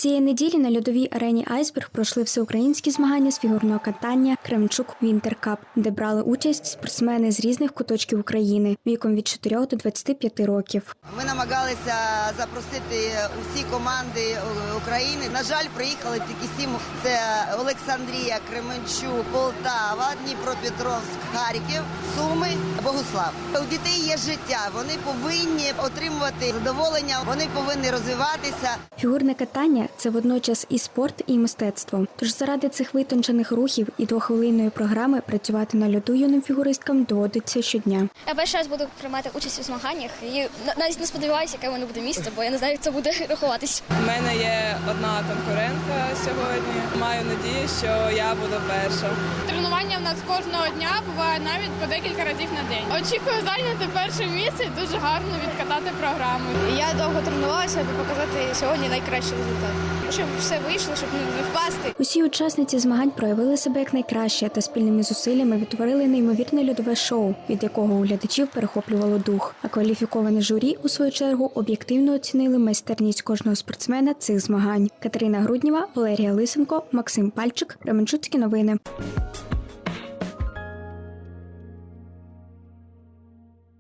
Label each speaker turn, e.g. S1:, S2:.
S1: Цієї неділі на льодовій арені «Айсберг» пройшли всеукраїнські змагання з фігурного катання «Кременчук Вінтер Кап», де брали участь спортсмени з різних куточків України віком від 4 до 25 років.
S2: Ми намагалися запросити усі команди України. На жаль, приїхали тільки 7. Це Олександрія, Кременчук, Полтава, Дніпропетровськ, Харків, Суми, Богуслав. У дітей є життя, вони повинні отримувати задоволення, вони повинні розвиватися.
S1: Фігурне катання – це водночас і спорт, і мистецтво. Тож заради цих витончених рухів і двохвилинної програми працювати на льоду юним фігуристкам доводиться щодня.
S3: Я перший раз буду приймати участь у змаганнях і навіть не сподіваюся, яке в мене буде місце, бо я не знаю, як це буде рахуватись.
S4: У мене є одна конкурентка сьогодні. Маю надію, що я буду перша.
S5: Тренування в нас кожного дня буває навіть по декілька разів на день. Очікую зайняти перше місце і дуже гарно відкатати програму.
S6: Я довго тренувалася, аби показати сьогодні найкращий результат. Щоб все вийшло, щоб не впасти.
S1: Усі учасниці змагань проявили себе як найкраще та спільними зусиллями відтворили неймовірне льодове шоу, від якого у глядачів перехоплювало дух. А кваліфіковане журі, у свою чергу, об'єктивно оцінили майстерність кожного спортсмена цих змагань. Катерина Груднєва, Валерія Лисенко, Максим Пальчик, Кременчуцькі новини.